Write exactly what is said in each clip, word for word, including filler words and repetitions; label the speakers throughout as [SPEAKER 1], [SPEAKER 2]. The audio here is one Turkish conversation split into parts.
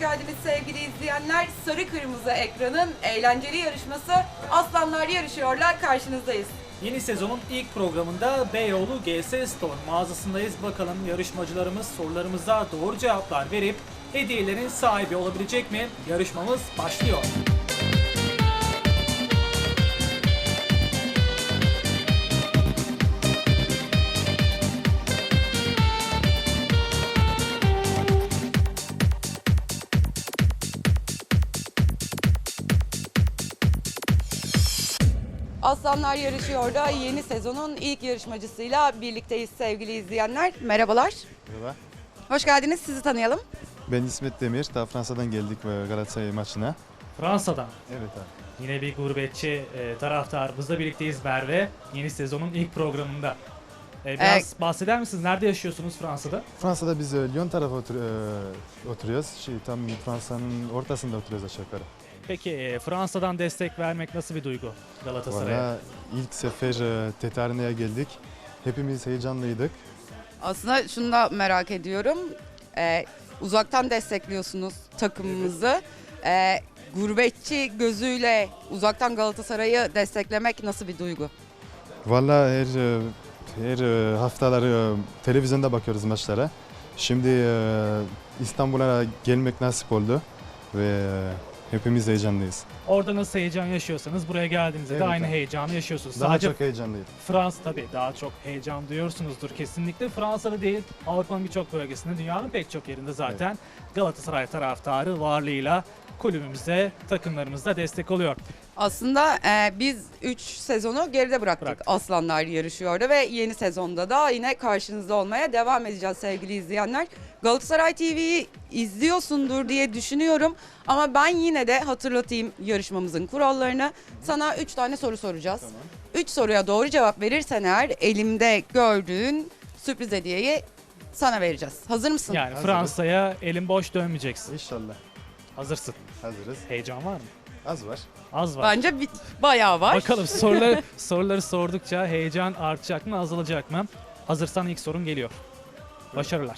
[SPEAKER 1] geldiniz sevgili izleyenler. Sarı Kırmızı Ekran'ın eğlenceli yarışması Aslanlar Yarışıyor'la karşınızdayız.
[SPEAKER 2] Yeni sezonun ilk programında Beyoğlu G S Store mağazasındayız. Bakalım yarışmacılarımız sorularımıza doğru cevaplar verip hediyelerin sahibi olabilecek mi? Yarışmamız başlıyor.
[SPEAKER 1] Aslanlar Yarışıyor'da yeni sezonun ilk yarışmacısıyla birlikteyiz sevgili izleyenler. Merhabalar.
[SPEAKER 3] Merhaba.
[SPEAKER 1] Hoş geldiniz. Sizi tanıyalım.
[SPEAKER 3] Ben İsmet Demir. Daha Fransa'dan geldik Galatasaray maçına.
[SPEAKER 2] Fransa'dan.
[SPEAKER 3] Evet abi.
[SPEAKER 2] Yine bir gurbetçi e, taraftarımızla birlikteyiz Merve. Yeni sezonun ilk programında. E, biraz ee, bahseder misiniz? Nerede yaşıyorsunuz Fransa'da?
[SPEAKER 3] Fransa'da biz e, Lyon tarafı otur, e, oturuyoruz. Şey, tam Fransa'nın ortasında oturuyoruz aşağı yukarı.
[SPEAKER 2] Peki e, Fransa'dan destek vermek nasıl bir duygu Galatasaray'a?
[SPEAKER 3] Valla ilk sefer e, Tetarne'ye geldik. Hepimiz heyecanlıydık.
[SPEAKER 1] Aslında şunu da merak ediyorum. Ee, uzaktan destekliyorsunuz takımımızı. Ee, gurbetçi gözüyle uzaktan Galatasaray'ı desteklemek nasıl bir duygu?
[SPEAKER 3] Valla her, e, her e, haftaları e, televizyonda bakıyoruz maçlara. Şimdi e, İstanbul'a gelmek nasip oldu ve e, hepimiz heyecanlıyız.
[SPEAKER 2] Orada nasıl heyecan yaşıyorsanız buraya geldiğinizde
[SPEAKER 3] Evet,
[SPEAKER 2] de aynı
[SPEAKER 3] abi.
[SPEAKER 2] heyecanı yaşıyorsunuz.
[SPEAKER 3] Daha
[SPEAKER 2] Sadece
[SPEAKER 3] çok heyecanlıyız.
[SPEAKER 2] Fransa tabii daha çok heyecan duyuyorsunuzdur kesinlikle. Fransa'da değil, Avrupa'nın birçok bölgesinde, dünyanın pek çok yerinde zaten evet. Galatasaray taraftarı varlığıyla kulübümüze, takımlarımıza destek oluyor.
[SPEAKER 1] Aslında e, biz üç sezonu geride bıraktık.
[SPEAKER 2] Bıraktık.
[SPEAKER 1] Aslanlar Yarışıyor'da ve yeni sezonda da yine karşınızda olmaya devam edeceğiz sevgili izleyenler. Galatasaray T V'yi izliyorsundur diye düşünüyorum ama ben yine de hatırlatayım yarışmamızın kurallarını. Sana üç tane soru soracağız.
[SPEAKER 3] Tamam.
[SPEAKER 1] üç soruya doğru cevap verirsen eğer elimde gördüğün sürpriz hediyeyi sana vereceğiz. Hazır mısın?
[SPEAKER 2] Yani
[SPEAKER 3] Hazırız.
[SPEAKER 2] Fransa'ya elin boş dönmeyeceksin.
[SPEAKER 3] İnşallah.
[SPEAKER 2] Hazırsın.
[SPEAKER 3] Hazırız.
[SPEAKER 2] Heyecan var mı?
[SPEAKER 3] Az var.
[SPEAKER 2] Az var.
[SPEAKER 1] Bence bir, bayağı var.
[SPEAKER 2] Bakalım soruları soruları sordukça heyecan artacak mı, azalacak mı? Hazırsan ilk sorun geliyor. Başarılar.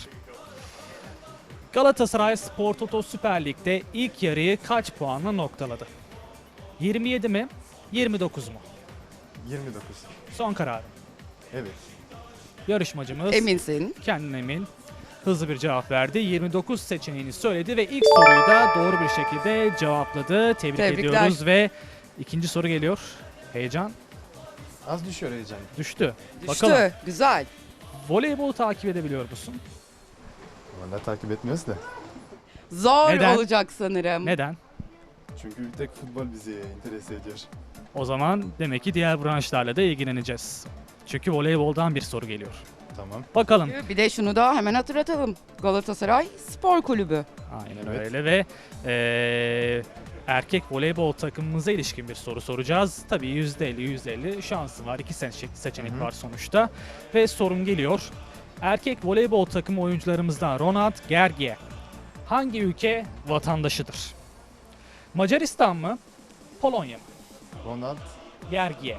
[SPEAKER 2] Galatasaray Spor Toto Süper Lig'de ilk yarıyı kaç puanla noktaladı? yirmi yedi mi? yirmi dokuz mu?
[SPEAKER 3] yirmi dokuz.
[SPEAKER 2] Son kararım.
[SPEAKER 3] Evet.
[SPEAKER 2] Yarışmacımız
[SPEAKER 1] Eminsin.
[SPEAKER 2] kendine emin, hızlı bir cevap verdi. yirmi dokuz seçeneğini söyledi ve ilk soruyu da doğru bir şekilde cevapladı. Tebrik
[SPEAKER 1] Tebrikler.
[SPEAKER 2] ediyoruz ve ikinci soru geliyor. Heyecan
[SPEAKER 3] Az düşüyor heyecan.
[SPEAKER 2] düştü.
[SPEAKER 1] Düştü.
[SPEAKER 2] Bakalım
[SPEAKER 1] Güzel.
[SPEAKER 2] voleybol takip edebiliyor musun?
[SPEAKER 3] Vallahi takip etmiyoruz da.
[SPEAKER 1] Zor
[SPEAKER 2] Neden?
[SPEAKER 1] olacak sanırım.
[SPEAKER 2] Neden?
[SPEAKER 3] Çünkü bir tek futbol bizi interese ediyor.
[SPEAKER 2] O zaman demek ki diğer branşlarla da ilgileneceğiz. Çünkü voleyboldan bir soru geliyor.
[SPEAKER 3] Tamam.
[SPEAKER 2] Bakalım.
[SPEAKER 1] Bir de şunu da hemen hatırlatalım. Galatasaray Spor Kulübü.
[SPEAKER 2] Aynen
[SPEAKER 3] Evet.
[SPEAKER 2] öyle ve eee, erkek voleybol takımımıza ilişkin bir soru soracağız. Tabii yüzde elli yüzde elli şansı var. İki seçenek, seçenek
[SPEAKER 3] Hı hı.
[SPEAKER 2] var sonuçta. Ve sorun geliyor. Erkek voleybol takımı oyuncularımızdan Ronald Gergie hangi ülke vatandaşıdır? Macaristan mı? Polonya mı?
[SPEAKER 3] Ronald,
[SPEAKER 2] Gergie.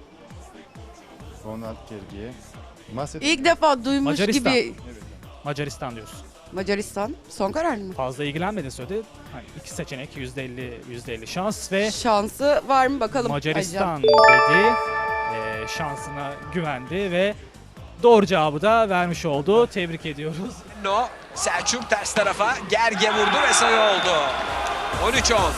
[SPEAKER 3] Ronald Gergi'ye. Macedonya.
[SPEAKER 1] İlk defa duymuş
[SPEAKER 2] Macaristan.
[SPEAKER 1] gibi.
[SPEAKER 2] Macaristan diyorsun.
[SPEAKER 1] Macaristan. Son karar mı?
[SPEAKER 2] Fazla ilgilenmedin söyledi. Hani iki seçenek yüzde elli yüzde elli şans ve
[SPEAKER 1] Şansı var mı bakalım.
[SPEAKER 2] Macaristan dedi. Ee, şansına güvendi ve doğru cevabı da vermiş oldu. Tebrik ediyoruz.
[SPEAKER 4] No, Selçuk ters tarafa Gerge vurdu ve sayı oldu. on üç on.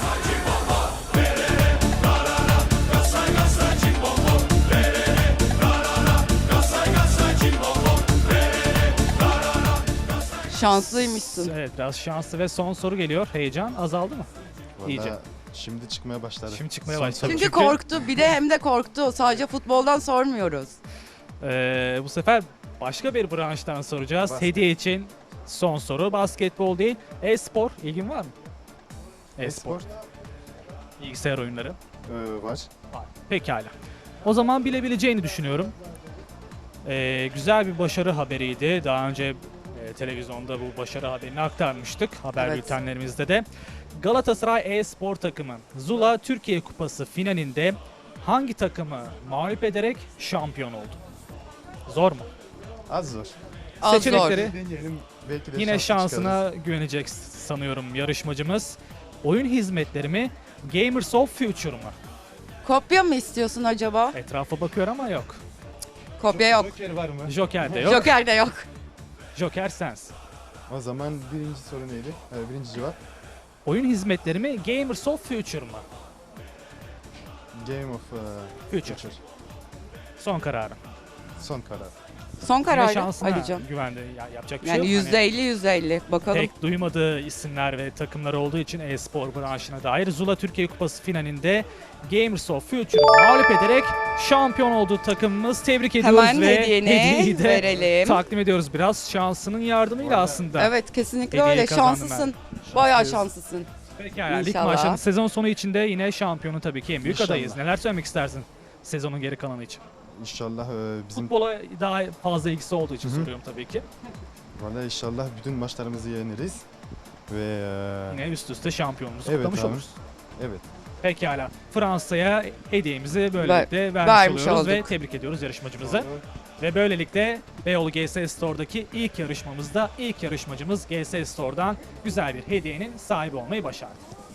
[SPEAKER 1] Şanslıymışsın.
[SPEAKER 2] Evet, biraz şanslı ve son soru geliyor. Heyecan azaldı mı?
[SPEAKER 3] Vallahi
[SPEAKER 2] İyice.
[SPEAKER 3] şimdi çıkmaya başladı.
[SPEAKER 2] Şimdi çıkmaya
[SPEAKER 3] Son
[SPEAKER 2] başladı.
[SPEAKER 3] soru.
[SPEAKER 1] Çünkü,
[SPEAKER 2] Çünkü-
[SPEAKER 1] korktu. Bir de hem de korktu. Sadece futboldan sormuyoruz.
[SPEAKER 2] Ee, bu sefer başka bir branştan soracağız.
[SPEAKER 3] Basket.
[SPEAKER 2] Hediye için son soru. Basketbol değil, e-spor. İlgin var mı? E-spor.
[SPEAKER 3] Esport
[SPEAKER 2] Bilgisayar oyunları.
[SPEAKER 3] ee, var.
[SPEAKER 2] Var. Pekala. O zaman bilebileceğini düşünüyorum. Ee, güzel bir başarı haberiydi. Daha önce e, televizyonda bu başarı haberini aktarmıştık haber
[SPEAKER 1] Evet.
[SPEAKER 2] bültenlerimizde de. Galatasaray e-spor takımı Zula Türkiye Kupası finalinde hangi takımı mağlup ederek şampiyon oldu? Zor mu?
[SPEAKER 3] Az zor.
[SPEAKER 1] Az zor.
[SPEAKER 2] Seçenekleri
[SPEAKER 3] Deneyelim. Belki de
[SPEAKER 2] Yine
[SPEAKER 3] şanslı
[SPEAKER 2] şansına
[SPEAKER 3] çıkarız.
[SPEAKER 2] güvenecek sanıyorum yarışmacımız. Oyun hizmetleri mi? Gamers of Future mu?
[SPEAKER 1] Kopya mı istiyorsun acaba?
[SPEAKER 2] Etrafa bakıyor ama yok.
[SPEAKER 1] Kopya yok.
[SPEAKER 3] Joker var mı?
[SPEAKER 2] Joker de yok.
[SPEAKER 1] Joker de yok.
[SPEAKER 2] Joker sensin.
[SPEAKER 3] O zaman birinci soru neydi? Ee, birinci cevap.
[SPEAKER 2] Oyun hizmetleri mi? Gamers of Future mu?
[SPEAKER 3] Game of uh,
[SPEAKER 2] Future. Son kararım.
[SPEAKER 3] Son karar.
[SPEAKER 1] Son
[SPEAKER 2] Yine
[SPEAKER 1] kararı
[SPEAKER 2] şansına
[SPEAKER 1] Ali'cim.
[SPEAKER 2] güvendi. Ya, yapacak bir
[SPEAKER 1] Yani
[SPEAKER 2] şey yok.
[SPEAKER 1] yüzde elli yüzde elli. Bakalım.
[SPEAKER 2] Pek duymadığı isimler ve takımlar olduğu için e-spor branşına dair Zula Türkiye Kupası finalinde Gamers of Future'u mağlup ederek şampiyon olduğu takımımız. Tebrik ediyoruz
[SPEAKER 1] Hemen
[SPEAKER 2] ve
[SPEAKER 1] hediyeni
[SPEAKER 2] hediyeyi de
[SPEAKER 1] verelim.
[SPEAKER 2] takdim ediyoruz biraz şansının yardımıyla aslında.
[SPEAKER 1] Evet, kesinlikle
[SPEAKER 2] Hediye
[SPEAKER 1] öyle.
[SPEAKER 2] kazandım
[SPEAKER 1] Şanslısın. Bayağı şanslısın.
[SPEAKER 2] Peki yani lig
[SPEAKER 1] İnşallah.
[SPEAKER 2] maçlarının sezon sonu içinde yine şampiyonu tabii ki en büyük
[SPEAKER 3] İnşallah.
[SPEAKER 2] adayız. Neler söylemek istersin sezonun geri kalanı için?
[SPEAKER 3] İnşallah e, bizim
[SPEAKER 2] Futbola daha fazla ilgisi olduğu için
[SPEAKER 3] Hı hı.
[SPEAKER 2] soruyorum tabii ki.
[SPEAKER 3] Vallahi inşallah bütün maçlarımızı yeniriz ve e,
[SPEAKER 2] Yine üst üste şampiyonumuzu
[SPEAKER 3] Evet
[SPEAKER 2] kutlamış
[SPEAKER 3] abi.
[SPEAKER 2] oluruz.
[SPEAKER 3] evet.
[SPEAKER 2] Pekala. Fransa'ya hediyemizi böylelikle vermiş
[SPEAKER 1] vermiş
[SPEAKER 2] oluyoruz ve
[SPEAKER 1] olduk.
[SPEAKER 2] tebrik ediyoruz yarışmacımızı. Ve böylelikle Beyoğlu G S Store'daki ilk yarışmamızda ilk yarışmacımız G S Store'dan güzel bir hediyenin sahibi olmayı başardı.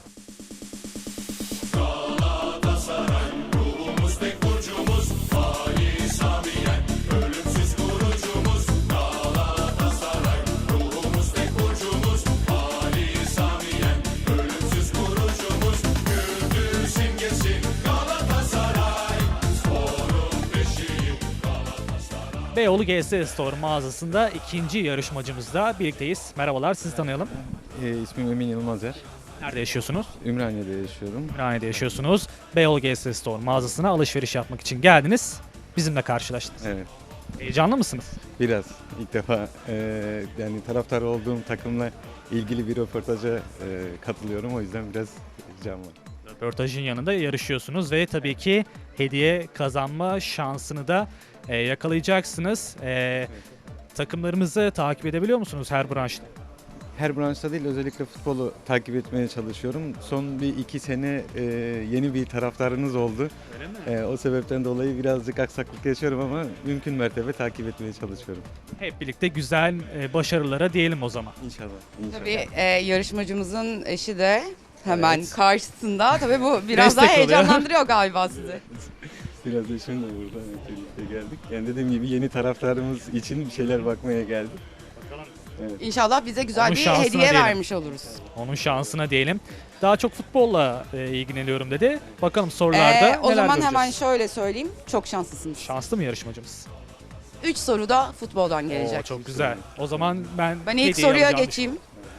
[SPEAKER 2] Beyoğlu G S Store mağazasında ikinci yarışmacımızla birlikteyiz. Merhabalar, sizi tanıyalım.
[SPEAKER 5] E, ismim Emin Yılmazer.
[SPEAKER 2] Nerede yaşıyorsunuz?
[SPEAKER 5] Ümraniye'de yaşıyorum.
[SPEAKER 2] Ümraniye'de yaşıyorsunuz. Beyoğlu G S Store mağazasına alışveriş yapmak için geldiniz. Bizimle karşılaştınız.
[SPEAKER 5] Evet.
[SPEAKER 2] Heyecanlı mısınız?
[SPEAKER 5] Biraz ilk defa e, yani taraftar olduğum takımla ilgili bir röportaja e, katılıyorum. O yüzden biraz heyecan var.
[SPEAKER 2] Röportajın yanında yarışıyorsunuz ve tabii ki hediye kazanma şansını da e, yakalayacaksınız. E, takımlarımızı takip edebiliyor musunuz her branşta?
[SPEAKER 5] Her branşta değil, özellikle futbolu takip etmeye çalışıyorum. Son bir iki sene e, yeni bir taraftarınız oldu.
[SPEAKER 2] Öyle mi?
[SPEAKER 5] E, o sebepten dolayı birazcık aksaklık yaşıyorum ama mümkün mertebe takip etmeye çalışıyorum.
[SPEAKER 2] Hep birlikte güzel e, başarılara diyelim o zaman.
[SPEAKER 5] İnşallah. İnşallah.
[SPEAKER 1] Tabii e, yarışmacımızın eşi de hemen
[SPEAKER 5] Evet.
[SPEAKER 1] karşısında. Tabii bu biraz daha
[SPEAKER 2] Destek oluyor.
[SPEAKER 1] heyecanlandırıyor galiba sizi.
[SPEAKER 5] Biraz da şimdi burada evet, birlikte geldik. Yani dediğim gibi yeni taraftarımız için bir şeyler bakmaya geldik. Evet.
[SPEAKER 1] İnşallah bize güzel
[SPEAKER 2] Onun
[SPEAKER 1] bir
[SPEAKER 2] şansına
[SPEAKER 1] hediye
[SPEAKER 2] diyelim.
[SPEAKER 1] vermiş oluruz.
[SPEAKER 2] Onun şansına diyelim. Daha çok futbolla e, ilgileniyorum dedi. Bakalım sorularda
[SPEAKER 1] Ee, o
[SPEAKER 2] neler
[SPEAKER 1] zaman
[SPEAKER 2] göreceğiz.
[SPEAKER 1] hemen şöyle söyleyeyim. Çok şanslısınız.
[SPEAKER 2] Şanslı mı yarışmacımız?
[SPEAKER 1] Üç soru da futboldan
[SPEAKER 2] Oo,
[SPEAKER 1] gelecek.
[SPEAKER 2] çok güzel. O zaman ben
[SPEAKER 1] Ben ilk
[SPEAKER 2] hediyeyi
[SPEAKER 1] soruya
[SPEAKER 2] alacağım.
[SPEAKER 1] geçeyim.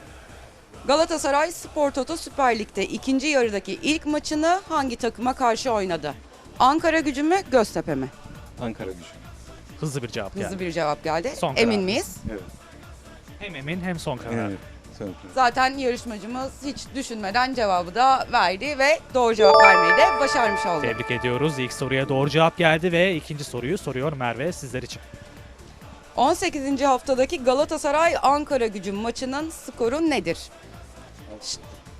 [SPEAKER 1] Galatasaray Spor Toto Süper Lig'de ikinci yarıdaki ilk maçını hangi takıma karşı oynadı? Ankara Gücü mü, Göztepe mi?
[SPEAKER 5] Ankara Gücü.
[SPEAKER 2] Hızlı bir cevap
[SPEAKER 1] Hızlı
[SPEAKER 2] geldi.
[SPEAKER 1] bir cevap geldi.
[SPEAKER 2] Son
[SPEAKER 1] Emin
[SPEAKER 2] karar.
[SPEAKER 1] miyiz?
[SPEAKER 5] Evet.
[SPEAKER 2] Hem emin hem son karar.
[SPEAKER 5] Evet. Son karar.
[SPEAKER 1] Zaten yarışmacımız hiç düşünmeden cevabı da verdi ve doğru cevap vermeyi de başarmış oldu.
[SPEAKER 2] Tebrik ediyoruz. İlk soruya doğru cevap geldi ve ikinci soruyu soruyor Merve sizler için.
[SPEAKER 1] on sekizinci haftadaki Galatasaray Ankara Gücü maçının skoru nedir? Ş-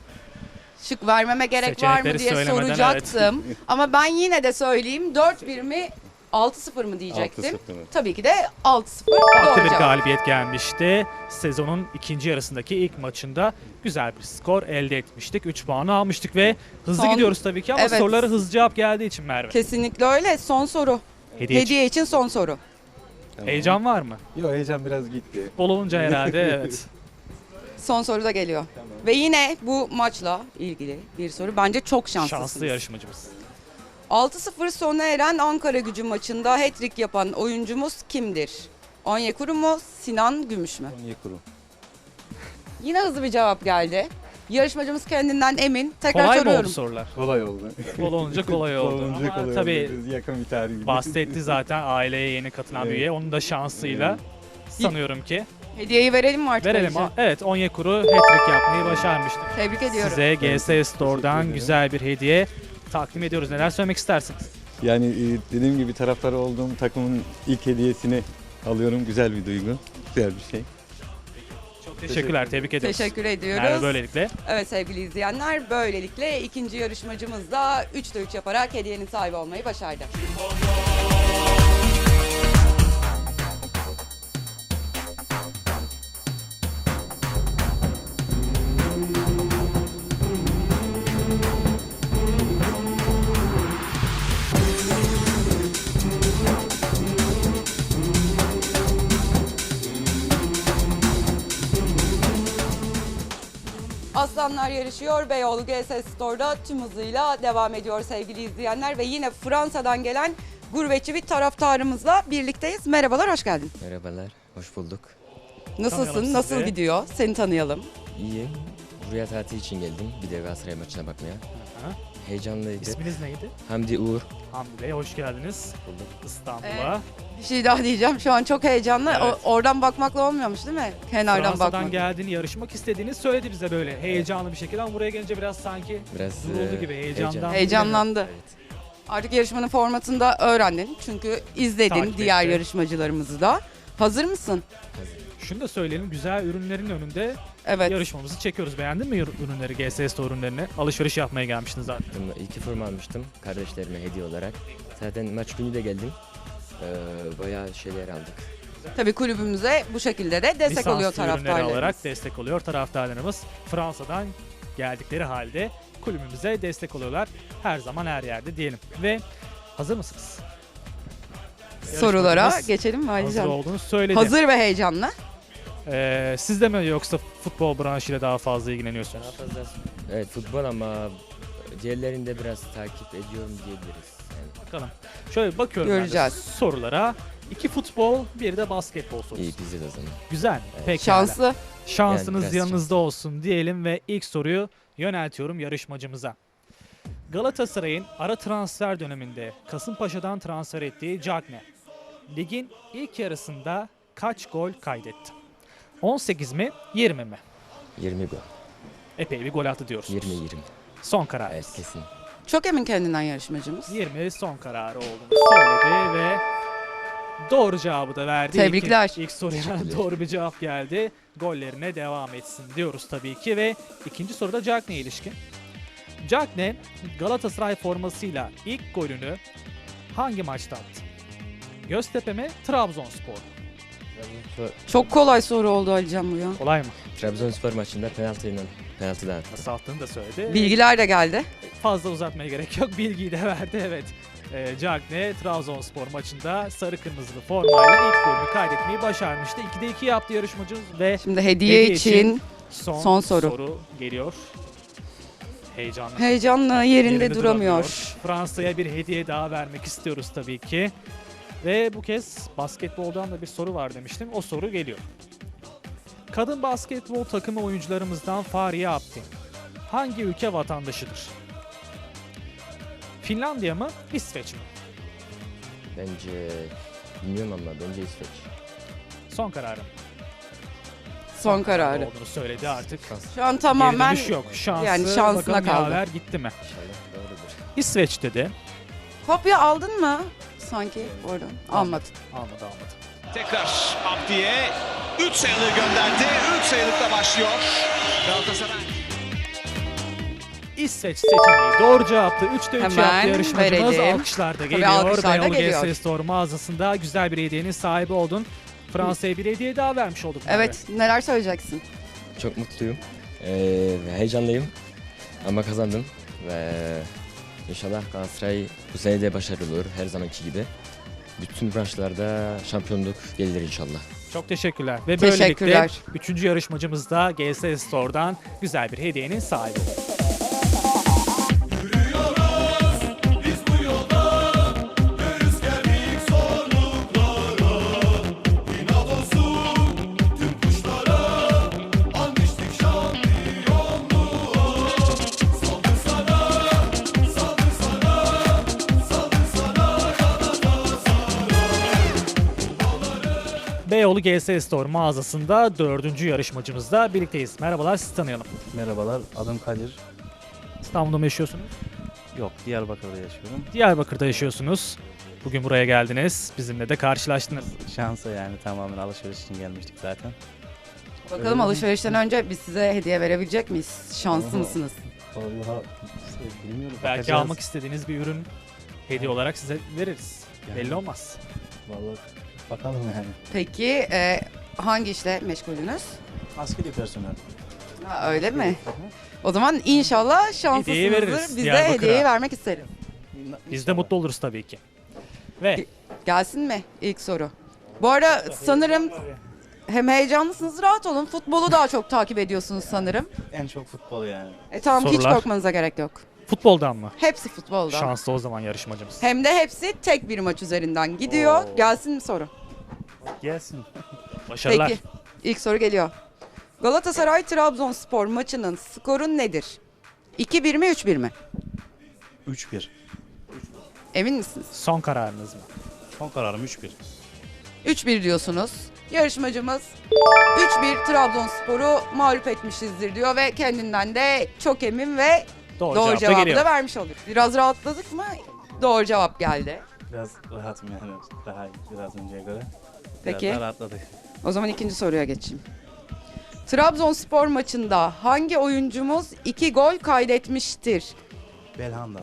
[SPEAKER 1] Şık vermeme gerek var mı
[SPEAKER 2] Seçenekleri
[SPEAKER 1] diye
[SPEAKER 2] söylemeden,
[SPEAKER 1] soracaktım. Ama ben yine de söyleyeyim. dört bir mi altı sıfır mı diyecektim.
[SPEAKER 5] altı sıfır.
[SPEAKER 1] Tabii ki de altı sıfır
[SPEAKER 2] Farklı
[SPEAKER 1] doğru
[SPEAKER 2] bir
[SPEAKER 1] cevap.
[SPEAKER 2] galibiyet gelmişti. Sezonun ikinci yarısındaki ilk maçında güzel bir skor elde etmiştik. üç puanı almıştık ve hızlı
[SPEAKER 1] Son-
[SPEAKER 2] gidiyoruz tabii ki ama
[SPEAKER 1] Evet.
[SPEAKER 2] sorulara hızlı cevap geldiği için Merve.
[SPEAKER 1] Kesinlikle öyle. Son soru.
[SPEAKER 2] Hediye için.
[SPEAKER 1] Hediye için son soru.
[SPEAKER 5] Tamam.
[SPEAKER 2] Heyecan var mı?
[SPEAKER 5] Yok, heyecan biraz gitti.
[SPEAKER 2] Bol olunca herhalde evet.
[SPEAKER 1] Son soru da geliyor.
[SPEAKER 5] Tamam.
[SPEAKER 1] Ve yine bu maçla ilgili bir soru. Bence çok şanslısınız.
[SPEAKER 2] Şanslı yarışmacımız.
[SPEAKER 1] altı sıfır sona eren Ankara Gücü maçında hat-trick yapan oyuncumuz kimdir? Onyekuru mu, Sinan Gümüş mü?
[SPEAKER 5] Onyekuru.
[SPEAKER 1] Yine hızlı bir cevap geldi. Yarışmacımız kendinden emin. Tekrar
[SPEAKER 2] Kolay mı oldu
[SPEAKER 1] soruyorum.
[SPEAKER 2] sorular?
[SPEAKER 5] Kolay oldu.
[SPEAKER 2] Bol olunca kolay oldu.
[SPEAKER 5] Olunca
[SPEAKER 2] Ama
[SPEAKER 5] kolay
[SPEAKER 2] tabii
[SPEAKER 5] oldu. Biraz yakın bir tarih.
[SPEAKER 2] bahsetti zaten aileye yeni katılan bir
[SPEAKER 5] Evet.
[SPEAKER 2] üye. Onun da şansıyla
[SPEAKER 5] Evet.
[SPEAKER 2] sanıyorum ki.
[SPEAKER 1] Hediyeyi verelim mi artık?
[SPEAKER 2] Verelim.
[SPEAKER 1] Ali'ciğim?
[SPEAKER 2] Evet, Onyekuru hat-trick yapmayı başarmıştı.
[SPEAKER 1] Tebrik ediyorum.
[SPEAKER 2] Size G S
[SPEAKER 5] Teşekkür
[SPEAKER 2] Store'dan
[SPEAKER 5] ederim.
[SPEAKER 2] güzel bir hediye takdim ediyoruz. Neler söylemek istersiniz?
[SPEAKER 5] Yani e, dediğim gibi taraftarı olduğum takımın ilk hediyesini alıyorum. Güzel bir duygu. Güzel bir şey.
[SPEAKER 2] Çok teşekkürler, tebrik ediyoruz.
[SPEAKER 1] Teşekkür ediyoruz.
[SPEAKER 2] Merve böylelikle.
[SPEAKER 1] Evet sevgili izleyenler, böylelikle ikinci yarışmacımız da üçte üç yaparak hediyenin sahibi olmayı başardı. Kazanlar yarışıyor. Beyoğlu G S Store'da tüm hızıyla devam ediyor sevgili izleyenler. Ve yine Fransa'dan gelen gurbetçi bir taraftarımızla birlikteyiz. Merhabalar, hoş geldin.
[SPEAKER 6] Merhabalar, hoş bulduk.
[SPEAKER 1] Nasılsın,
[SPEAKER 2] Tanıyalım
[SPEAKER 1] nasıl
[SPEAKER 2] sizi.
[SPEAKER 1] gidiyor? Seni tanıyalım.
[SPEAKER 6] İyi. Buraya tatil için geldim. Bir de Galatasaray maçına bakmaya.
[SPEAKER 2] Aha.
[SPEAKER 6] Heyecanlıydı.
[SPEAKER 2] İsminiz neydi?
[SPEAKER 6] Hamdi Uğur.
[SPEAKER 2] Hamdi Bey, hoş geldiniz
[SPEAKER 6] Bulduk.
[SPEAKER 2] İstanbul'a.
[SPEAKER 1] Bir şey daha diyeceğim. Şu an çok heyecanlı.
[SPEAKER 2] Evet.
[SPEAKER 1] O- oradan bakmakla olmuyormuş değil mi? Kenardan
[SPEAKER 2] Fransa'dan
[SPEAKER 1] bakmak.
[SPEAKER 2] geldiğini, yarışmak istediğini söyledi bize böyle heyecanlı bir şekilde ama buraya gelince biraz sanki
[SPEAKER 6] Biraz
[SPEAKER 2] duruldu
[SPEAKER 6] e,
[SPEAKER 2] gibi heyecandan.
[SPEAKER 6] heyecan.
[SPEAKER 1] Heyecanlandı.
[SPEAKER 6] Evet.
[SPEAKER 1] Artık yarışmanın formatını da öğrendin. Çünkü izledin
[SPEAKER 2] Takip
[SPEAKER 1] diğer
[SPEAKER 2] etti.
[SPEAKER 1] yarışmacılarımızı da. Hazır mısın?
[SPEAKER 2] Şunu da söyleyelim, güzel ürünlerin önünde
[SPEAKER 1] Evet.
[SPEAKER 2] yarışmamızı çekiyoruz. Beğendin mi ürünleri, G S Store ürünlerini? Alışveriş yapmaya gelmiştin zaten.
[SPEAKER 6] İki forma almıştım kardeşlerime hediye olarak. Zaten maç günü de geldim. Ee, bayağı şeyler aldık.
[SPEAKER 1] Tabii kulübümüze bu şekilde de destek
[SPEAKER 2] Lisanslı
[SPEAKER 1] oluyor
[SPEAKER 2] ürünleri
[SPEAKER 1] taraftarlarımız.
[SPEAKER 2] alarak destek oluyor taraftarlarımız. Fransa'dan geldikleri halde kulübümüze destek oluyorlar. Her zaman her yerde diyelim. Ve hazır mısınız?
[SPEAKER 1] Sorulara
[SPEAKER 2] Yarışmacımız
[SPEAKER 1] geçelim mi
[SPEAKER 2] hazır
[SPEAKER 1] Alican?
[SPEAKER 2] olduğunu söyledi.
[SPEAKER 1] Hazır ve heyecanlı.
[SPEAKER 2] Ee, siz de mi yoksa futbol branşıyla daha fazla ilgileniyorsunuz?
[SPEAKER 6] Daha fazla evet futbol ama diğerlerini de biraz takip ediyorum diyebiliriz. Yani
[SPEAKER 2] Bakalım. Şöyle bakıyorum ben de
[SPEAKER 1] Göreceğiz.
[SPEAKER 2] sorulara. İki futbol, bir de basketbol sorusu.
[SPEAKER 6] iyi bizi de o zaman.
[SPEAKER 2] Güzel.
[SPEAKER 6] Evet.
[SPEAKER 2] Peki.
[SPEAKER 1] Şanslı.
[SPEAKER 2] Şansınız
[SPEAKER 6] Yani biraz
[SPEAKER 2] yanınızda olsun diyelim ve ilk soruyu yöneltiyorum yarışmacımıza. Galatasaray'ın ara transfer döneminde Kasımpaşa'dan transfer ettiği Cagne, ligin ilk yarısında kaç gol kaydetti? on sekiz mi, yirmi mi?
[SPEAKER 6] yirmi gol.
[SPEAKER 2] Epey bir gol attı diyorsunuz.
[SPEAKER 6] yirmi yirmi.
[SPEAKER 2] Son karar.
[SPEAKER 6] Evet kesin.
[SPEAKER 1] Çok emin kendinden yarışmacımız.
[SPEAKER 2] yirmi son kararı olduğunu söyledi ve doğru cevabı da verdi.
[SPEAKER 1] Tebrikler.
[SPEAKER 2] İlk, ilk soruya
[SPEAKER 6] Teşekkürler.
[SPEAKER 2] doğru bir cevap geldi. Gollerine devam etsin diyoruz tabii ki ve ikinci soruda Cagney'e ilişkin. Cagney Galatasaray formasıyla ilk golünü hangi maçta attı? Göztepe mi, Trabzonspor mu?
[SPEAKER 1] Çok kolay soru oldu Alican bu ya.
[SPEAKER 2] Kolay mı?
[SPEAKER 6] Trabzonspor maçında penaltıyla penaltıdan attı.
[SPEAKER 2] Nasıl attığını da söyledi.
[SPEAKER 1] Bilgiler de geldi.
[SPEAKER 2] Fazla uzatmaya gerek yok. Bilgiyi de verdi evet. E, Cagney Trabzonspor maçında sarı kırmızılı formayla ilk golünü kaydetmeyi başarmıştı. ikide iki yaptı yarışmacımız ve
[SPEAKER 1] Şimdi hediye,
[SPEAKER 2] Hediye
[SPEAKER 1] için,
[SPEAKER 2] için son,
[SPEAKER 1] son soru.
[SPEAKER 2] soru geliyor. Heyecanlı.
[SPEAKER 1] heyecanlı yerinde,
[SPEAKER 2] Yerinde
[SPEAKER 1] duramıyor.
[SPEAKER 2] Fransa'ya bir hediye daha vermek istiyoruz tabii ki. Ve bu kez basketboldan da bir soru var demiştim. O soru geliyor. Kadın basketbol takımı oyuncularımızdan Fariye Aptin hangi ülke vatandaşıdır? Finlandiya mı, İsveç mi?
[SPEAKER 6] Bence bilmiyorum ama bence İsveç.
[SPEAKER 2] Son kararım.
[SPEAKER 1] Son kararı.
[SPEAKER 2] Olduğunu söyledi artık.
[SPEAKER 1] Şu an
[SPEAKER 2] Geri
[SPEAKER 1] tamamen
[SPEAKER 2] dönüş yok. Şansı,
[SPEAKER 1] yani şansına
[SPEAKER 2] bakalım
[SPEAKER 1] kaldı.
[SPEAKER 2] yaver gitti mi?
[SPEAKER 6] İnşallah doğrudur.
[SPEAKER 2] İsveç dedi.
[SPEAKER 1] kopya aldın mı? Sanki oradan. Almadın.
[SPEAKER 2] Almadı almadı.
[SPEAKER 4] Tekrar Abdi'ye üç sayılı gönderdi. üç sayılıkla başlıyor. Galatasaray.
[SPEAKER 2] İsveç seçeneği doğru cevaptı. üçte üç
[SPEAKER 1] Hemen
[SPEAKER 2] yaptı yarışmacımız.
[SPEAKER 1] verelim.
[SPEAKER 2] Alkışlar da
[SPEAKER 1] Tabii
[SPEAKER 2] geliyor.
[SPEAKER 1] alkışlar da
[SPEAKER 2] Beyoğlu
[SPEAKER 1] geliyor.
[SPEAKER 2] G S Store mağazasında güzel bir hediyenin sahibi oldun. Fransa'ya bir hediye daha vermiş olduk. Merve.
[SPEAKER 1] Evet, neler söyleyeceksin?
[SPEAKER 6] Çok mutluyum. Ee, ve heyecanlıyım. Ama kazandım. Ve inşallah Galatasaray bu sene de başarılı olur. Her zamanki gibi. Bütün branşlarda şampiyonluk gelir inşallah.
[SPEAKER 2] Çok teşekkürler. Ve böylelikle
[SPEAKER 1] Teşekkürler.
[SPEAKER 2] üçüncü yarışmacımız da G S Store'dan güzel bir hediyenin sahibi oldu. Beyoğlu G S Store mağazasında dördüncü yarışmacımızla birlikteyiz. Merhabalar, sizi tanıyalım.
[SPEAKER 7] Merhabalar, adım Kadir.
[SPEAKER 2] İstanbul'da mı yaşıyorsunuz?
[SPEAKER 7] Yok, Diyarbakır'da yaşıyorum.
[SPEAKER 2] Diyarbakır'da yaşıyorsunuz. Bugün buraya geldiniz. Bizimle de karşılaştınız.
[SPEAKER 7] Şansa yani tamamen alışveriş için gelmiştik zaten.
[SPEAKER 1] Bakalım alışverişten önce biz size hediye verebilecek miyiz? Şanslı
[SPEAKER 7] Oho.
[SPEAKER 1] mısınız?
[SPEAKER 7] Vallahi bilmiyorum.
[SPEAKER 2] Belki
[SPEAKER 7] bakacağız.
[SPEAKER 2] almak istediğiniz bir ürün hediye olarak size veririz.
[SPEAKER 7] Yani.
[SPEAKER 2] Belli olmaz.
[SPEAKER 7] Vallahi bakalım yani.
[SPEAKER 1] Peki e, hangi işle meşgulünüz?
[SPEAKER 7] Askeri personel.
[SPEAKER 1] Ha, öyle mi? O zaman inşallah
[SPEAKER 2] Hediyeyi veririz
[SPEAKER 1] şanslısınızdır. Biz de
[SPEAKER 2] Diyarbakır'a.
[SPEAKER 1] hediyeyi vermek isteriz.
[SPEAKER 2] Biz de mutlu oluruz tabii ki. Ve
[SPEAKER 1] Gelsin mi ilk soru? Bu ara sanırım hem heyecanlısınız, rahat olun. Futbolu daha çok takip ediyorsunuz sanırım.
[SPEAKER 7] En çok futbol yani.
[SPEAKER 1] E tamam, hiç
[SPEAKER 2] Sorular?
[SPEAKER 1] korkmanıza gerek yok.
[SPEAKER 2] Futboldan mı?
[SPEAKER 1] Hepsi futboldan.
[SPEAKER 2] Şanslı o zaman yarışmacımız.
[SPEAKER 1] Hem de hepsi tek bir maç üzerinden gidiyor.
[SPEAKER 2] Oo.
[SPEAKER 1] Gelsin mi soru?
[SPEAKER 7] Gelsin.
[SPEAKER 2] Başarılar.
[SPEAKER 1] Peki. İlk soru geliyor. Galatasaray Trabzonspor maçının skoru nedir? iki bir mi, üç bir mi?
[SPEAKER 7] üç bir.
[SPEAKER 1] Emin misiniz?
[SPEAKER 2] Son kararınız mı?
[SPEAKER 7] Son kararım üç bir.
[SPEAKER 1] üç bir diyorsunuz. Yarışmacımız üç bir Trabzonspor'u mağlup etmişizdir diyor ve kendinden de çok emin ve
[SPEAKER 2] Doğru,
[SPEAKER 1] doğru
[SPEAKER 2] cevap da
[SPEAKER 1] cevabı
[SPEAKER 2] geliyor.
[SPEAKER 1] da vermiş oluyor. Biraz rahatladık mı? Doğru cevap geldi.
[SPEAKER 7] Biraz rahatım yani. Daha biraz önceye göre.
[SPEAKER 1] Peki.
[SPEAKER 7] Biraz daha rahatladık.
[SPEAKER 1] O zaman ikinci soruya geçeyim. Trabzonspor maçında hangi oyuncumuz iki gol kaydetmiştir?
[SPEAKER 7] Belhanda.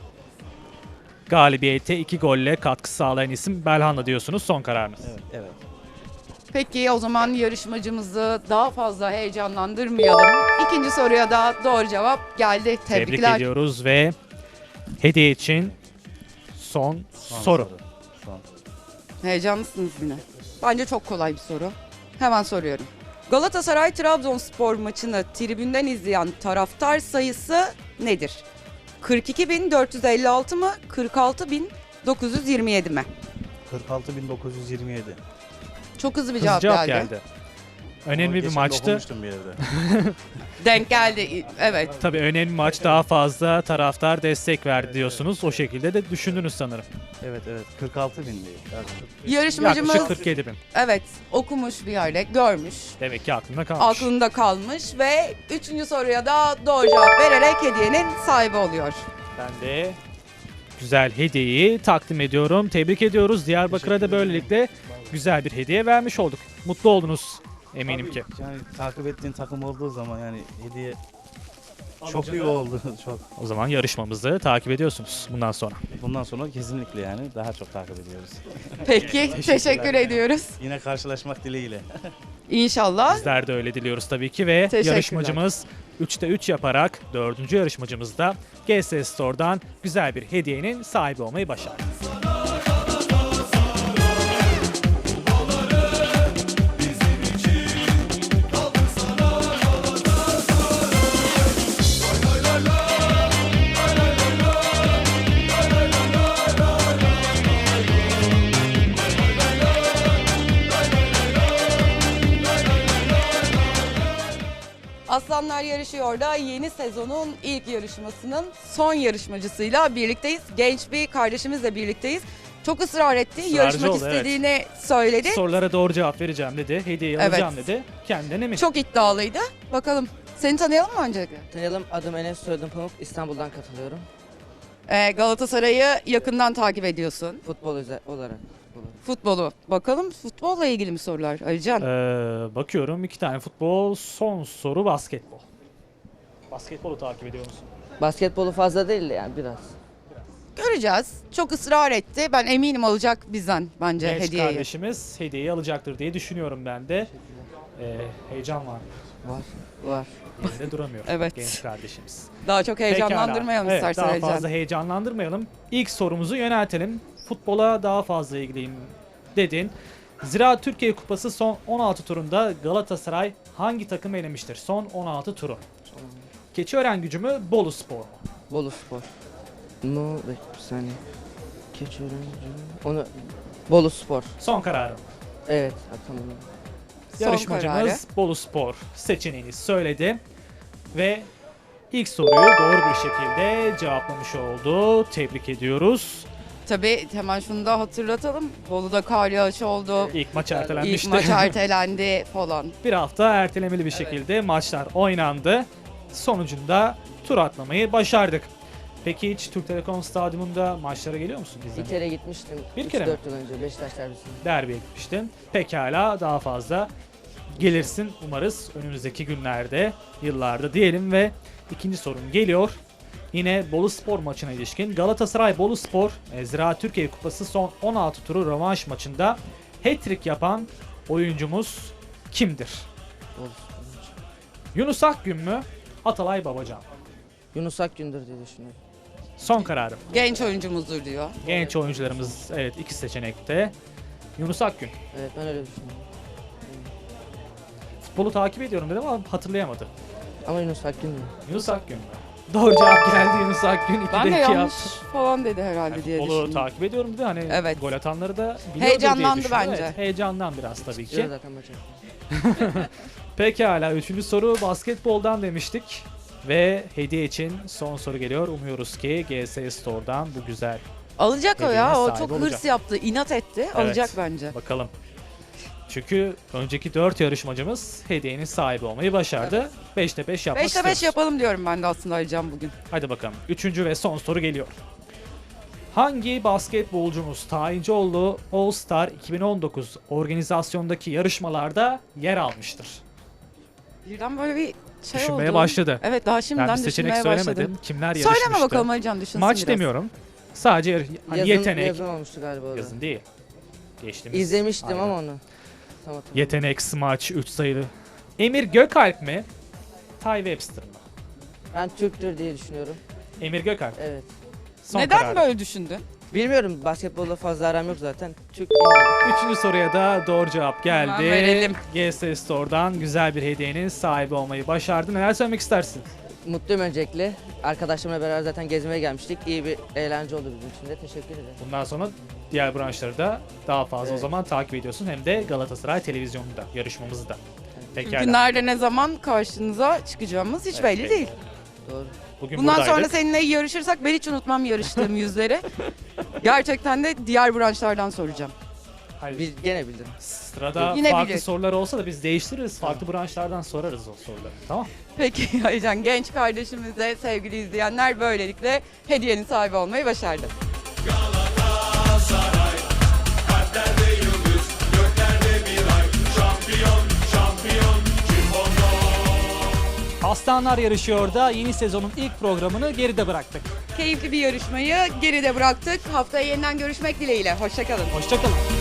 [SPEAKER 2] Galibiyete iki golle katkı sağlayan isim Belhanda diyorsunuz. Son kararınız.
[SPEAKER 7] Evet, evet.
[SPEAKER 1] Peki o zaman yarışmacımızı daha fazla heyecanlandırmayalım. İkinci soruya da doğru cevap geldi.
[SPEAKER 2] Tebrik
[SPEAKER 1] Tebrikler.
[SPEAKER 2] ediyoruz ve hediye için son,
[SPEAKER 7] Son
[SPEAKER 2] soru.
[SPEAKER 7] Son.
[SPEAKER 1] Heyecanlısınız yine. Bence çok kolay bir soru. Hemen soruyorum. Galatasaray Trabzonspor maçını tribünden izleyen taraftar sayısı nedir? kırk iki bin dört yüz elli altı mı? kırk altı bin dokuz yüz yirmi yedi mi?
[SPEAKER 7] kırk altı bin dokuz yüz yirmi yedi.
[SPEAKER 1] Çok hızlı bir
[SPEAKER 2] Hızlı
[SPEAKER 1] cevap,
[SPEAKER 2] cevap
[SPEAKER 1] geldi.
[SPEAKER 2] geldi. Önemli bir
[SPEAKER 7] Geçen de
[SPEAKER 2] maçtı.
[SPEAKER 7] okumuştum bir yerde.
[SPEAKER 1] Denk geldi. Evet.
[SPEAKER 2] Tabii önemli maç, daha fazla taraftar destek verdi diyorsunuz. O şekilde de düşündünüz sanırım.
[SPEAKER 7] Evet evet. kırk altı bin değil.
[SPEAKER 1] Yarışmacımız
[SPEAKER 2] Yaklaşık kırk yedi bin.
[SPEAKER 1] evet okumuş bir yerde, görmüş.
[SPEAKER 2] Demek ki aklında kalmış.
[SPEAKER 1] Aklında kalmış ve üçüncü soruya da doğru cevap vererek hediyenin sahibi oluyor.
[SPEAKER 2] Ben de güzel hediyeyi takdim ediyorum. Tebrik ediyoruz. Diyarbakır'a da böylelikle güzel bir hediye vermiş olduk. Mutlu oldunuz eminim
[SPEAKER 7] Tabii,
[SPEAKER 2] ki.
[SPEAKER 7] Yani takip ettiğin takım olduğu zaman yani hediye çok iyi oldu. Çok.
[SPEAKER 2] O zaman yarışmamızı takip ediyorsunuz bundan sonra.
[SPEAKER 7] Bundan sonra kesinlikle yani daha çok takip ediyoruz.
[SPEAKER 1] Peki teşekkür ediyoruz.
[SPEAKER 7] Yine karşılaşmak dileğiyle.
[SPEAKER 1] İnşallah.
[SPEAKER 2] Bizler de öyle diliyoruz tabii ki ve
[SPEAKER 1] Teşekkürler.
[SPEAKER 2] yarışmacımız üçte üç yaparak dördüncü yarışmacımız da G S Store'dan güzel bir hediyenin sahibi olmayı başardı.
[SPEAKER 1] Aslanlar Yarışıyor da yeni sezonun ilk yarışmasının son yarışmacısıyla birlikteyiz. Genç bir kardeşimizle birlikteyiz. Çok ısrar etti,
[SPEAKER 2] Israrcı
[SPEAKER 1] yarışmak
[SPEAKER 2] oldu, evet.
[SPEAKER 1] istediğini söyledi.
[SPEAKER 2] Sorulara doğru cevap vereceğim dedi. Hediyeyi
[SPEAKER 1] Evet.
[SPEAKER 2] alacağım dedi. Kendinden emin.
[SPEAKER 1] Çok iddialıydı. Bakalım seni tanıyalım mı öncelikle?
[SPEAKER 8] Tanıyalım, adım Enes, soyadım Pamuk. İstanbul'dan katılıyorum.
[SPEAKER 1] Ee, Galatasaray'ı yakından takip ediyorsun.
[SPEAKER 8] Futbol özel olarak. Futbol.
[SPEAKER 1] Futbolu. Bakalım futbolla ilgili mi sorular Alican?
[SPEAKER 2] Ee, bakıyorum iki tane futbol, son soru basketbol. Basketbolu takip ediyor musun?
[SPEAKER 8] Basketbolu fazla değil de yani biraz.
[SPEAKER 1] Göreceğiz. Çok ısrar etti. Ben eminim alacak bizden bence
[SPEAKER 2] Genç
[SPEAKER 1] hediyeyi.
[SPEAKER 2] kardeşimiz hediyeyi alacaktır diye düşünüyorum ben de. Ee, heyecan var.
[SPEAKER 8] Var. Var.
[SPEAKER 2] Yerinde duramıyor
[SPEAKER 1] Evet.
[SPEAKER 2] genç kardeşimiz.
[SPEAKER 1] Daha çok heyecanlandırmayalım
[SPEAKER 2] Pekala.
[SPEAKER 1] istersen
[SPEAKER 2] Evet,
[SPEAKER 1] Alican.
[SPEAKER 2] daha fazla heyecanlandırmayalım. İlk sorumuzu yöneltelim. Futbola daha fazla ilgiliyim dedin. Zira Türkiye Kupası son on altı turunda Galatasaray hangi takım elemiştir? Son on altı turu. Keçiören Gücü mü, Bolu Spor mu?
[SPEAKER 8] Bolu Spor. No, bekle bir saniye. Keçiören. Onu Bolu Spor.
[SPEAKER 2] Son kararım.
[SPEAKER 8] Evet, ha, tamam.
[SPEAKER 1] Son
[SPEAKER 2] Yarışmacımız
[SPEAKER 1] kararı.
[SPEAKER 2] Bolu Spor seçeneğini söyledi ve ilk soruyu doğru bir şekilde cevaplamış oldu. Tebrik ediyoruz.
[SPEAKER 1] Tabii hemen şunu da hatırlatalım. Bolu'da kar yağışı oldu.
[SPEAKER 2] İlk maç
[SPEAKER 1] İlk
[SPEAKER 2] ertelenmişti.
[SPEAKER 1] maç ertelendi falan.
[SPEAKER 2] Bir hafta ertelemeli bir şekilde maçlar oynandı. Sonucunda tur atlamayı başardık. Peki hiç Türk Telekom Stadyumunda maçlara geliyor musun
[SPEAKER 8] Bir
[SPEAKER 2] izlemeye?
[SPEAKER 8] kere gitmiştim.
[SPEAKER 2] Bir
[SPEAKER 8] üç
[SPEAKER 2] kere mi?
[SPEAKER 8] dört yıl önce Beşiktaş derbisinde.
[SPEAKER 2] Derbiye gitmiştin. Pekala daha fazla gelirsin umarız önümüzdeki günlerde, yıllarda diyelim ve ikinci sorun geliyor. Yine Bolu Spor maçına ilişkin Galatasaray Bolu Spor e, Zira Türkiye Kupası son on altı turu rövanş maçında hat-trick yapan oyuncumuz kimdir?
[SPEAKER 8] Bolu Spor.
[SPEAKER 2] Yunus Akgün mü? Atalay Babacan.
[SPEAKER 8] Yunus Akgün'dür diye düşünüyorum.
[SPEAKER 2] Son kararım.
[SPEAKER 1] Genç oyuncumuzdur diyor.
[SPEAKER 2] Genç oyuncularımız evet iki seçenekte. Yunus Akgün.
[SPEAKER 8] Evet, ben öyle düşünüyorum.
[SPEAKER 2] futbolu takip ediyorum dedi ama hatırlayamadı.
[SPEAKER 8] Ama Yunus Akgün mü?
[SPEAKER 2] Yunus Akgün mü? Doğru cevap geldi Yunus Akgün.
[SPEAKER 1] Ben de
[SPEAKER 2] ikide iki
[SPEAKER 1] yanlış
[SPEAKER 2] yaptı.
[SPEAKER 1] falan dedi herhalde
[SPEAKER 2] Yani
[SPEAKER 1] diye
[SPEAKER 2] futbolu
[SPEAKER 1] düşündüm.
[SPEAKER 2] takip ediyorum dedi. Hani
[SPEAKER 1] Evet.
[SPEAKER 2] gol atanları da biliyordur
[SPEAKER 1] Heyecanlandı
[SPEAKER 2] diye düşünüyorum.
[SPEAKER 1] bence.
[SPEAKER 2] Evet, heyecandan biraz tabii ki.
[SPEAKER 8] Diyor zaten maçı.
[SPEAKER 2] Pekala, üçüncü soru basketboldan demiştik. Ve hediye için son soru geliyor. Umuyoruz ki G S Store'dan bu güzel.
[SPEAKER 1] Alacak o ya.
[SPEAKER 2] Hediyenin
[SPEAKER 1] O
[SPEAKER 2] sahibi
[SPEAKER 1] çok
[SPEAKER 2] olacak.
[SPEAKER 1] hırs yaptı, inat etti. Alacak bence.
[SPEAKER 2] Bakalım. Çünkü önceki dört yarışmacımız hediyenin sahibi olmayı başardı. beşte beş yapmak
[SPEAKER 1] beşte beş
[SPEAKER 2] istiyoruz.
[SPEAKER 1] yapalım diyorum ben de aslında alacağım bugün.
[SPEAKER 2] Hadi bakalım. Üçüncü ve son soru geliyor. Hangi basketbolcumuz Tayincioğlu All Star iki bin on dokuz organizasyondaki yarışmalarda yer almıştır?
[SPEAKER 1] Birden böyle bir şey
[SPEAKER 2] Düşünmeye
[SPEAKER 1] oldu.
[SPEAKER 2] başladı.
[SPEAKER 1] Evet, daha şimdiden
[SPEAKER 2] Ben bir seçenek
[SPEAKER 1] düşünmeye
[SPEAKER 2] söylemedim.
[SPEAKER 1] başladım.
[SPEAKER 2] Kimler yarışmıştı?
[SPEAKER 1] Söyleme bakalım Alican, düşünsün
[SPEAKER 2] Maç
[SPEAKER 1] biraz.
[SPEAKER 2] demiyorum. Sadece yar- hani
[SPEAKER 8] Yazın,
[SPEAKER 2] yetenek.
[SPEAKER 8] yazın olmuştu galiba o da.
[SPEAKER 2] Yazın değil. Geçtiğimiz.
[SPEAKER 8] İzlemiştim
[SPEAKER 2] Aynen.
[SPEAKER 8] ama onu. Tam hatırlamıyorum.
[SPEAKER 2] Yetenek, smaç, üç sayılı. Emir Gökalp mi? Ty Webster mı?
[SPEAKER 8] Ben Türktür diye düşünüyorum.
[SPEAKER 2] Emir Gökalp.
[SPEAKER 8] Evet.
[SPEAKER 2] Son
[SPEAKER 1] Neden
[SPEAKER 2] kararı.
[SPEAKER 1] böyle düşündün?
[SPEAKER 8] Bilmiyorum, basketbolla fazla aram yok zaten. Türk bilmiyorum.
[SPEAKER 2] Üçüncü soruya da doğru cevap geldi.
[SPEAKER 1] Hemen verelim.
[SPEAKER 2] G S Store'dan güzel bir hediyenin sahibi olmayı başardı. Neler söylemek istersin?
[SPEAKER 8] Mutluyum öncelikle. Arkadaşlarımla beraber zaten gezmeye gelmiştik. İyi bir eğlence oldu bizim için de. Teşekkür ederim.
[SPEAKER 2] Bundan sonra diğer branşları da daha fazla o
[SPEAKER 8] Evet.
[SPEAKER 2] zaman takip ediyorsun. Hem de Galatasaray televizyonunda, yarışmamızı da.
[SPEAKER 1] Çünkü
[SPEAKER 2] Pekala.
[SPEAKER 1] nerede ne zaman karşınıza çıkacağımız hiç
[SPEAKER 2] Evet,
[SPEAKER 1] belli
[SPEAKER 2] belli.
[SPEAKER 1] değil.
[SPEAKER 8] Doğru.
[SPEAKER 2] Bugün
[SPEAKER 1] Bundan
[SPEAKER 2] buradaydık.
[SPEAKER 1] sonra seninle yarışırsak ben hiç unutmam yarıştığım yüzleri. Gerçekten de diğer branşlardan soracağım.
[SPEAKER 2] Hayır,
[SPEAKER 8] Bil, gene bildim.
[SPEAKER 2] sırada
[SPEAKER 1] Yine
[SPEAKER 2] farklı
[SPEAKER 1] bilir.
[SPEAKER 2] sorular olsa da biz değiştiririz. Farklı branşlardan sorarız o soruları. Tamam.
[SPEAKER 1] Peki Aycan, genç kardeşimize sevgili izleyenler böylelikle hediyenin sahibi olmayı başardı.
[SPEAKER 2] Aslanlar yarışıyor da yeni sezonun ilk programını geride bıraktık.
[SPEAKER 1] Keyifli bir yarışmayı geride bıraktık. Haftaya yeniden görüşmek dileğiyle. Hoşçakalın.
[SPEAKER 2] Hoşçakalın.